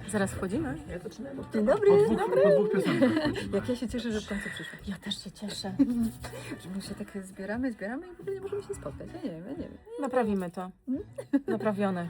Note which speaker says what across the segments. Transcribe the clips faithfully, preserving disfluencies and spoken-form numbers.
Speaker 1: Zaraz wchodzimy.
Speaker 2: Ja zaczynam od
Speaker 1: Dzień dobry.
Speaker 2: Po dwóch,
Speaker 1: Dzień dobry.
Speaker 2: po dwóch piosenkach wchodzimy.
Speaker 3: Jak ja się cieszę, że w końcu przyszło.
Speaker 1: Ja też się cieszę.
Speaker 3: Że my się tak zbieramy, zbieramy i w ogóle nie możemy się spotkać. Ja nie wiem, ja nie wiem.
Speaker 1: Naprawimy to. Naprawione.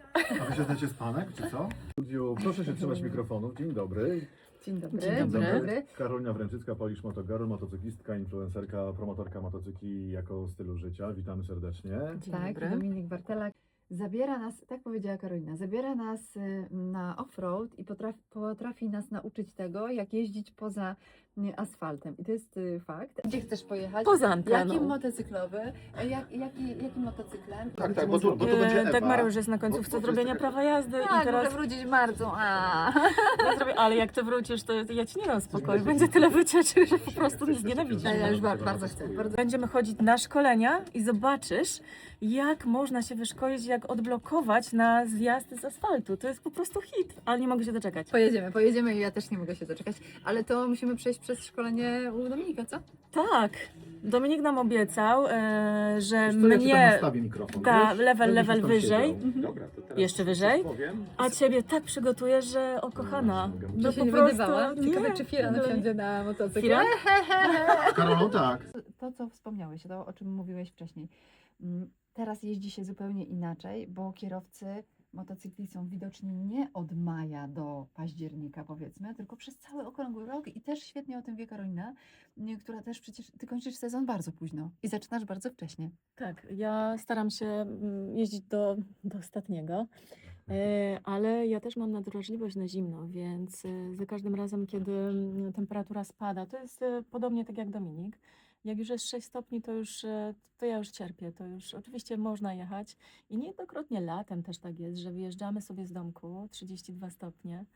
Speaker 2: A wy się znacie z panek, czy co? W studiu proszę się trzymać mikrofonów. Dzień dobry.
Speaker 3: Dzień dobry.
Speaker 1: Dzień
Speaker 3: Dzień
Speaker 1: dobry.
Speaker 3: dobry.
Speaker 2: Karolina Wręczycka, Polish Motogirl, motocyklistka, influencerka, promotorka motocykli jako stylu życia. Witamy serdecznie.
Speaker 1: Dzień
Speaker 3: Tak,
Speaker 1: dobry.
Speaker 3: Dominik Bartelak zabiera nas, tak powiedziała Karolina, zabiera nas y, na off-road i potrafi, potrafi nas nauczyć tego, jak jeździć poza y, asfaltem. I to jest y, fakt. Gdzie chcesz pojechać?
Speaker 1: Poza anteną.
Speaker 3: Jakim motocyklowy? E, Jak, jaki, jakim motocyklem?
Speaker 2: Tak, tak, bo tu, bo tu będzie
Speaker 1: E,
Speaker 2: Ewa.
Speaker 1: tak, Mario już jest na
Speaker 2: Bo-
Speaker 1: końcówce
Speaker 2: bo to
Speaker 1: zrobienia
Speaker 2: jest taka-
Speaker 1: prawa jazdy
Speaker 3: Tak,
Speaker 1: i teraz
Speaker 3: muszę wrócić w marcu. A.
Speaker 1: ja zrobię, ale jak ty wrócisz, to ja ci nie dam spokoju. Będzie tyle wycieczek, że po prostu mnie znienawidzisz.
Speaker 3: Ja już ba- bardzo chcę. Bardzo...
Speaker 1: Będziemy chodzić na szkolenia i zobaczysz, jak można się wyszkolić, jak odblokować na zjazd z asfaltu. To jest po prostu hit, ale nie mogę się doczekać.
Speaker 3: Pojedziemy, pojedziemy i ja też nie mogę się doczekać. Ale to musimy przejść przez szkolenie u Dominika, co?
Speaker 1: Tak, Dominik nam obiecał, e, że
Speaker 2: Wiesz co, ja ci tam
Speaker 1: mnie,
Speaker 2: nastawię mikrofon,
Speaker 1: da,
Speaker 2: wiesz?
Speaker 1: level,
Speaker 2: Będziesz
Speaker 1: level
Speaker 2: tam
Speaker 1: wyżej.
Speaker 2: siedział.
Speaker 3: Mhm.
Speaker 2: Dobra, to teraz
Speaker 1: Jeszcze
Speaker 2: coś
Speaker 1: wyżej?
Speaker 2: powiem.
Speaker 1: a ciebie tak przygotuje, że o kochana.
Speaker 2: No,
Speaker 1: No
Speaker 3: się
Speaker 1: po
Speaker 3: nie
Speaker 1: prostu,
Speaker 3: będę bała. Ciekawe,
Speaker 1: nie.
Speaker 3: czy Firan
Speaker 1: No.
Speaker 3: wsiądzie na motocykl.
Speaker 1: Firan?
Speaker 2: Z Karolą tak.
Speaker 3: To, co wspomniałeś, to o czym mówiłeś wcześniej. Mm, Teraz jeździ się zupełnie inaczej, bo kierowcy motocykli są widoczni nie od maja do października, powiedzmy, tylko przez cały okrągły rok i też świetnie o tym wie Karolina, nie, która też przecież, ty kończysz sezon bardzo późno i zaczynasz bardzo wcześnie.
Speaker 1: Tak, ja staram się mm, jeździć do, do ostatniego, e, ale ja też mam nadwrażliwość na zimno, więc e, za każdym razem, kiedy mm, temperatura spada, to jest e, podobnie tak jak Dominik. Jak już jest sześć stopni, to już e, to ja już cierpię, to już oczywiście można jechać i niejednokrotnie latem też tak jest, że wyjeżdżamy sobie z domku, trzydzieści dwa stopnie,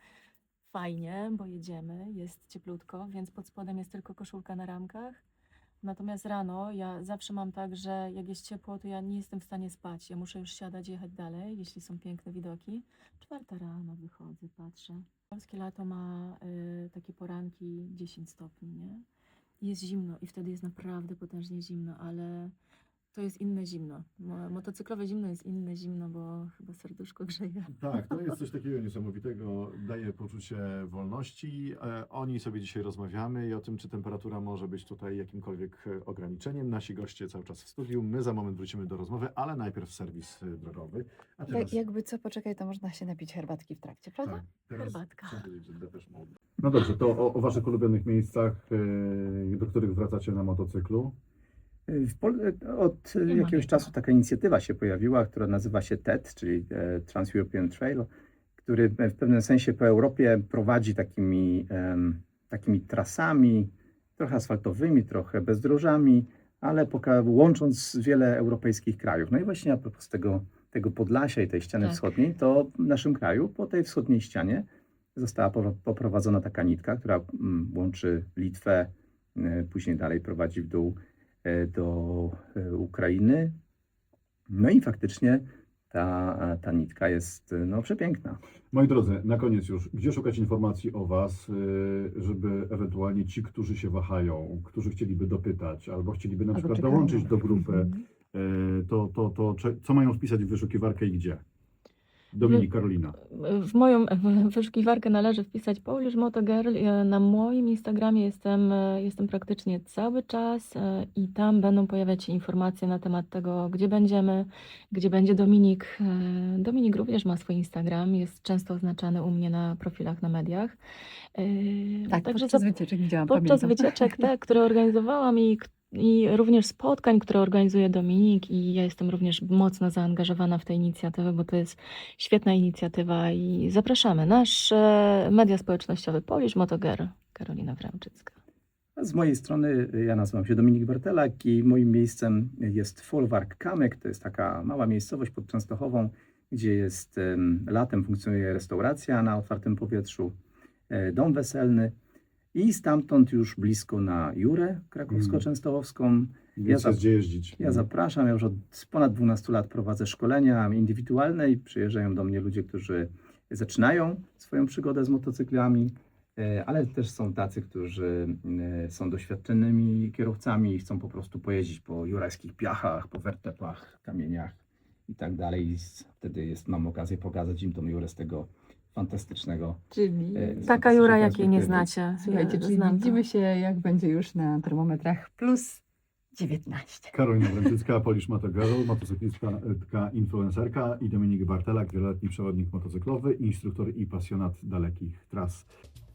Speaker 1: fajnie, bo jedziemy, jest cieplutko, więc pod spodem jest tylko koszulka na ramkach. Natomiast rano ja zawsze mam tak, że jak jest ciepło, to ja nie jestem w stanie spać. Ja muszę już siadać, jechać dalej, jeśli są piękne widoki. Czwarta rano wychodzę, patrzę. Polskie lato ma y, takie poranki dziesięć stopni, nie? I jest zimno i wtedy jest naprawdę potężnie zimno, ale to jest inne zimno. Mo- Motocyklowe zimno jest inne zimno, bo chyba serduszko grzeje.
Speaker 2: Tak, to jest coś takiego niesamowitego, daje poczucie wolności. E, o niej sobie dzisiaj rozmawiamy i o tym, czy temperatura może być tutaj jakimkolwiek e, ograniczeniem. Nasi goście cały czas w studiu. My za moment wrócimy do rozmowy, ale najpierw serwis e, drogowy. A teraz,
Speaker 3: Jak, jakby co, poczekaj, to można się napić herbatki w trakcie, prawda?
Speaker 2: tak, teraz
Speaker 1: Herbatka.
Speaker 2: chcę powiedzieć, że Depeche Mode. No dobrze, to o, o waszych ulubionych miejscach, e, do których wracacie na motocyklu.
Speaker 4: W Pol- od
Speaker 1: Nie ma
Speaker 4: jakiegoś
Speaker 1: niego.
Speaker 4: czasu taka inicjatywa się pojawiła, która nazywa się T E T, czyli e, Trans-European Trail, który w pewnym sensie po Europie prowadzi takimi, em, takimi trasami, trochę asfaltowymi, trochę bezdrożami, ale poka- łącząc wiele europejskich krajów. No i właśnie a propos tego, tego Podlasia i tej ściany
Speaker 1: Tak.
Speaker 4: wschodniej, to w naszym kraju po tej wschodniej ścianie została po- poprowadzona taka nitka, która mm, łączy Litwę, e, później dalej prowadzi w dół e, do e, Ukrainy. No i faktycznie ta, ta nitka jest no, przepiękna.
Speaker 2: Moi drodzy, na koniec już, gdzie szukać informacji o Was, y, żeby ewentualnie ci, którzy się wahają, którzy chcieliby dopytać, albo chcieliby na
Speaker 3: Albo
Speaker 2: przykład
Speaker 3: czekają.
Speaker 2: dołączyć do grupy,
Speaker 3: Mhm.
Speaker 2: y, to, to, to cze- co mają wpisać w wyszukiwarkę i gdzie? Dominik, Karolina.
Speaker 1: W moją wyszukiwarkę należy wpisać Polish Motogirl. Ja Na moim Instagramie jestem, e, jestem praktycznie cały czas e, i tam będą pojawiać się informacje na temat tego, gdzie będziemy, gdzie będzie Dominik. E, Dominik również ma swój Instagram, jest często oznaczany u mnie na profilach na mediach. E,
Speaker 3: Tak,
Speaker 1: Także
Speaker 3: podczas
Speaker 1: zap-
Speaker 3: wycieczek widziałam,
Speaker 1: podczas
Speaker 3: pamiętam.
Speaker 1: wycieczek, te, które organizowałam i, k- i również spotkań, które organizuje Dominik i ja jestem również mocno zaangażowana w tę inicjatywę, bo to jest świetna inicjatywa i zapraszamy. Nasz e, media społecznościowe Polish Motogirl, Karolina Wręczycka.
Speaker 4: Z mojej strony ja nazywam się Dominik Bartelak i moim miejscem jest Folwark Kamyk. To jest taka mała miejscowość pod Częstochową, gdzie jest em, latem funkcjonuje restauracja na otwartym powietrzu, e, dom weselny i stamtąd już blisko na Jurę krakowsko-częstochowską.
Speaker 2: Więc
Speaker 4: za-
Speaker 2: jest gdzie jeździć.
Speaker 4: Ja zapraszam, ja już od ponad dwunastu lat prowadzę szkolenia indywidualne i przyjeżdżają do mnie ludzie, którzy zaczynają swoją przygodę z motocyklami, e, ale też są tacy, którzy e, są doświadczonymi kierowcami i chcą po prostu pojeździć po jurajskich piachach, po wertepach, kamieniach i tak dalej. I s- wtedy jest, mam okazję pokazać im tą Jurę z tego fantastycznego.
Speaker 3: Czyli,
Speaker 4: e,
Speaker 1: Taka
Speaker 4: fantastycznej
Speaker 1: Jura, jakiej nie
Speaker 4: perspektywy.
Speaker 1: znacie.
Speaker 3: słuchajcie,
Speaker 1: Ja
Speaker 3: czyli
Speaker 1: znam to.
Speaker 3: widzimy się, jak będzie już na termometrach plus dziewiętnaście.
Speaker 2: Karolina Wręczycka, Polish Moto Girl, motocyklistka, influencerka i Dominik Bartelak, wieloletni przewodnik motocyklowy, instruktor i pasjonat dalekich tras.